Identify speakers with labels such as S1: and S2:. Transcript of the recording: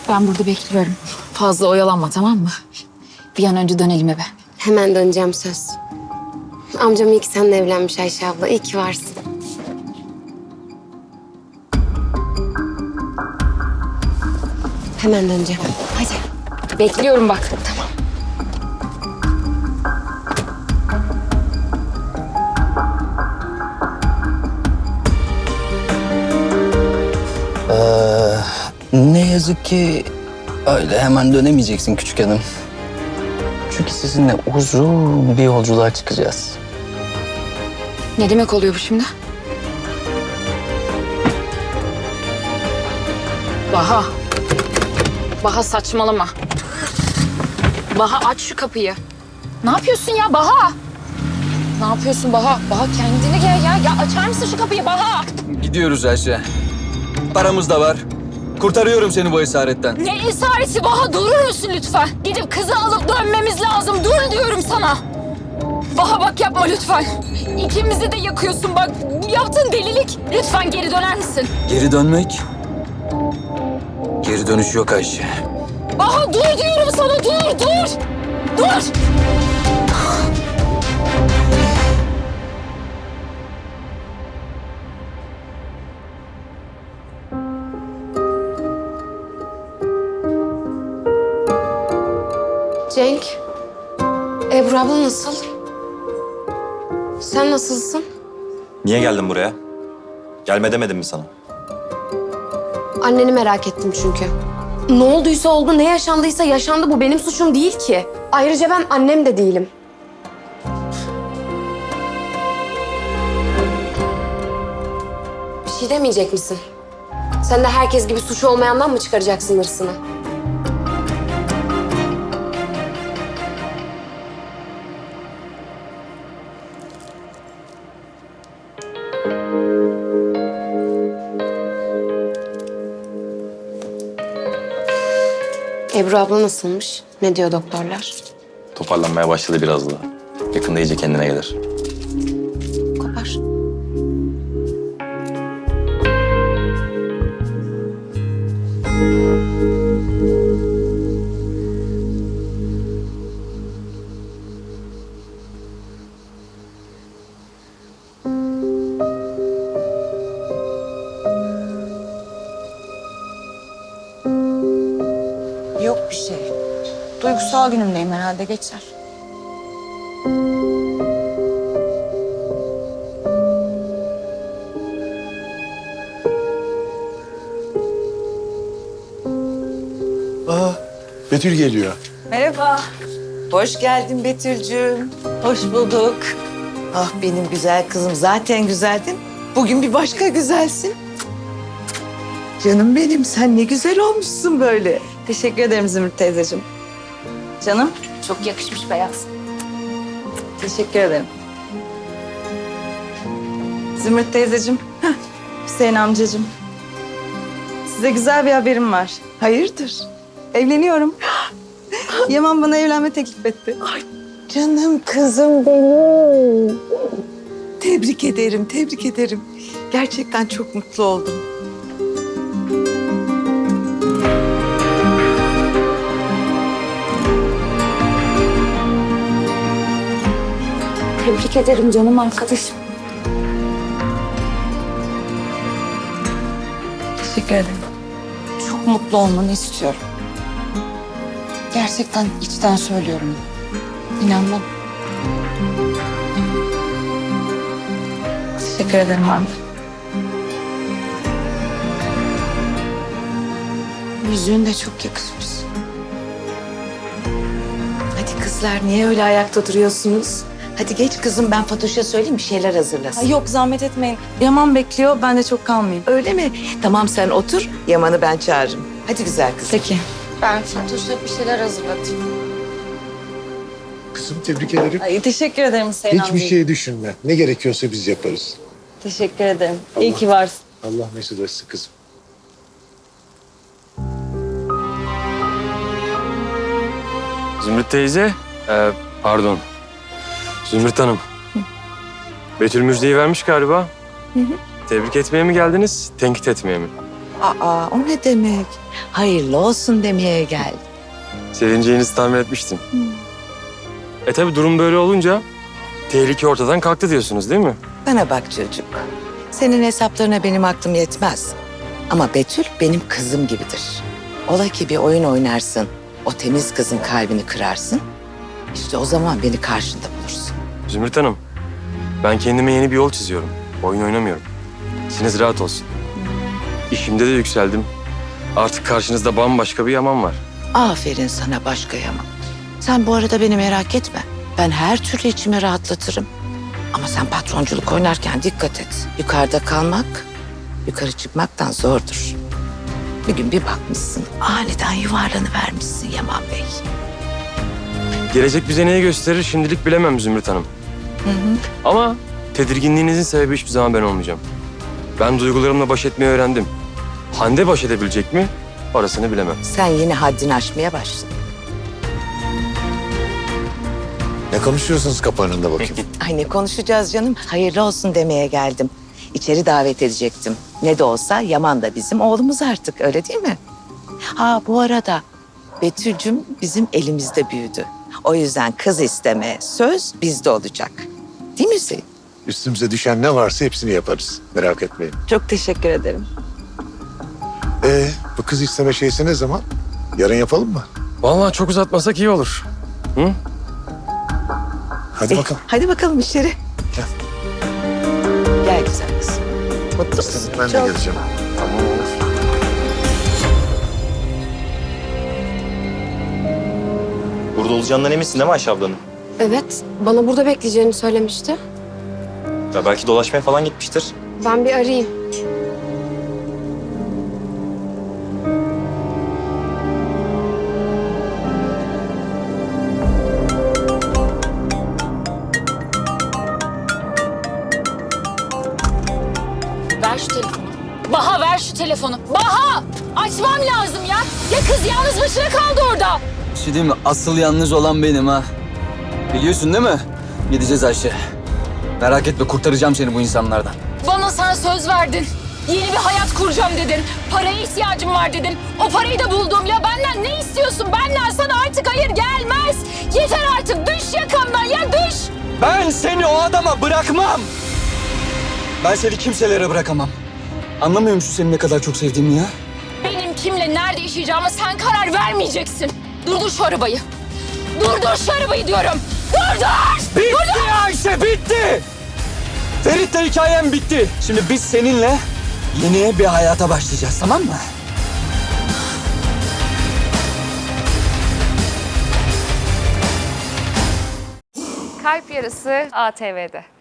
S1: Ben burada bekliyorum. Fazla oyalanma, tamam mı? Bir an önce dönelim eve.
S2: Hemen döneceğim söz. Amcam iyi ki seninle evlenmiş Ayşe abla. İyi ki varsın. Hemen döneceğim.
S1: Hadi. Bekliyorum bak. Tamam.
S3: Ne yazık ki öyle hemen dönemeyeceksin küçük hanım. Çünkü sizinle uzun bir yolculuğa çıkacağız.
S1: Ne demek oluyor bu şimdi? Baha. Baha saçmalama. Baha aç şu kapıyı. Ne yapıyorsun ya Baha? Ne yapıyorsun Baha? Baha kendine gel ya. Ya açar mısın şu kapıyı Baha?
S3: Gidiyoruz Ayşe. Paramız da var. Kurtarıyorum seni bu esaretten.
S1: Ne esareti Baha, durur musun lütfen? Gidip kızı alıp dönmemiz lazım. Dur diyorum sana. Baha bak yapma lütfen. İkimizi de yakıyorsun bak. Bu yaptığın delilik. Lütfen geri döner misin?
S3: Geri dönmek? Geri dönüş yok Ayşe.
S1: Baha dur diyorum sana, dur, dur. Dur.
S2: Cenk, Ebru abla nasıl? Sen nasılsın?
S4: Niye geldin buraya? Gelme demedim mi sana?
S2: Anneni merak ettim çünkü. Ne olduysa oldu, ne yaşandıysa yaşandı. Bu benim suçum değil ki. Ayrıca ben annem de değilim. Bir şey demeyecek misin? Sen de herkes gibi suçu olmayandan mı çıkaracaksın hırsını? Ebru abla nasılmış? Ne diyor doktorlar?
S4: Toparlanmaya başladı biraz daha. Yakında iyice kendine gelir.
S2: Kopar.
S5: Yok bir şey. Duygusal günümdeyim herhalde, geçer.
S6: Aa, Betül geliyor.
S5: Merhaba. Hoş geldin Betül'cüğüm. Hoş bulduk. Ah benim güzel kızım, zaten güzeldin. Bugün bir başka güzelsin. Canım benim, sen ne güzel olmuşsun böyle. Teşekkür ederim Zümrüt teyzeciğim. Canım.
S1: Çok yakışmış beyaz.
S5: Teşekkür ederim. Zümrüt teyzeciğim, Hüseyin amcacığım. Size güzel bir haberim var. Hayırdır? Evleniyorum. Yaman bana evlenme teklif etti. Ay canım kızım benim. Tebrik ederim, tebrik ederim. Gerçekten çok mutlu oldum.
S1: Tebrik ederim canım arkadaşım.
S5: Teşekkür ederim. Çok mutlu olmanı istiyorum. Gerçekten içten söylüyorum. İnan bana. Teşekkür ederim abi. Yüzüğün de çok yakışmış.
S7: Hadi kızlar, niye öyle ayakta duruyorsunuz? Hadi geç kızım, ben Fatoş'a söyleyeyim bir şeyler hazırlasın.
S5: Ay yok, zahmet etmeyin. Yaman bekliyor, ben de çok kalmayayım.
S7: Öyle mi? Tamam, sen otur, Yaman'ı ben çağırırım. Hadi güzel kızım.
S5: Peki.
S2: Ben Fatoş'a bir şeyler hazırlatayım.
S6: Kızım tebrik ederim.
S5: Ay, teşekkür ederim Hüseyin
S6: Hiçbir
S5: amca.
S6: şey düşünme. Ne gerekiyorsa biz yaparız.
S5: Teşekkür ederim. İyi ki varsın.
S6: Allah mesut etsin kızım.
S8: Zümrüt teyze, pardon. Zümrüt Hanım. Betül müjdeyi vermiş galiba. Tebrik etmeye mi geldiniz, tenkit etmeye mi?
S7: Aa, o ne demek? Hayırlı olsun demeye geldim.
S8: Sevineceğinizi tahmin etmiştim. Tabii durum böyle olunca tehlike ortadan kalktı diyorsunuz değil mi?
S7: Bana bak çocuk. Senin hesaplarına benim aklım yetmez. Ama Betül benim kızım gibidir. Ola ki bir oyun oynarsın, o temiz kızın kalbini kırarsın. İşte o zaman beni karşında bulursun.
S8: Zümrüt Hanım, ben kendime yeni bir yol çiziyorum. Oyun oynamıyorum. İçiniz rahat olsun. İşimde de yükseldim. Artık karşınızda bambaşka bir Yaman var.
S7: Aferin sana başka Yaman. Sen bu arada beni merak etme. Ben her türlü içimi rahatlatırım. Ama sen patronculuk oynarken dikkat et. Yukarıda kalmak, yukarı çıkmaktan zordur. Bir gün bir bakmışsın, aniden yuvarlanıvermişsin Yaman Bey.
S8: Gelecek bize neyi gösterir şimdilik bilemem Zümrüt Hanım. Ama tedirginliğinizin sebebi hiçbir zaman ben olmayacağım. Ben duygularımla baş etmeyi öğrendim. Hande baş edebilecek mi? Orasını bilemem.
S7: Sen yine haddini aşmaya başladın.
S6: Ne konuşuyorsunuz kapı önünde bakayım?
S7: Ay ne konuşacağız canım? Hayırlı olsun demeye geldim. İçeri davet edecektim. Ne de olsa Yaman da bizim oğlumuz artık, öyle değil mi? Ha bu arada Betül'cüm bizim elimizde büyüdü. O yüzden kız isteme söz bizde olacak. Değil mi Hüseyin?
S6: Üstümüze düşen ne varsa hepsini yaparız. Merak etmeyin.
S5: Çok teşekkür ederim.
S6: Bu kız isteme şeysi ne zaman? Yarın yapalım mı?
S8: Vallahi çok uzatmasak iyi olur. Hı?
S6: Hadi bakalım.
S7: Hadi bakalım içeri.
S6: Gel.
S7: Gel güzel kızım. Mutlu musun?
S6: Ben de
S7: Çok.
S6: geleceğim.
S4: Burada olacağından eminsin değil mi Ayşe ablanın?
S2: Evet, bana burada bekleyeceğini söylemişti.
S4: Ya belki dolaşmaya falan gitmiştir.
S2: Ben bir arayayım.
S1: Ver şu telefonu. Baha ver şu telefonu. Baha! Açmam lazım ya. Ya kız yalnız başına kaldı orada.
S3: Bir şey diyeyim mi? Asıl yalnız olan benim ha. Biliyorsun değil mi? Gideceğiz Ayşe. Merak etme, kurtaracağım seni bu insanlardan.
S1: Bana sen söz verdin. Yeni bir hayat kuracağım dedin. Paraya ihtiyacım var dedin. O parayı da buldum. Ya benden ne istiyorsun? Benden sana artık hayır gelmez. Yeter artık. Düş yakamdan ya düş.
S3: Ben seni o adama bırakmam. Ben seni kimselere bırakamam. Anlamıyor musun seni ne kadar çok sevdiğimi ya?
S1: Benim kimle nerede yaşayacağıma sen karar vermeyeceksin. Durdur şu arabayı. Durdur şu arabayı diyorum. Durdur!
S3: Bitti Ayşe, bitti! Ferit'le hikayem bitti. Şimdi biz seninle yeni bir hayata başlayacağız, tamam mı?
S9: Kalp Yarısı ATV'de.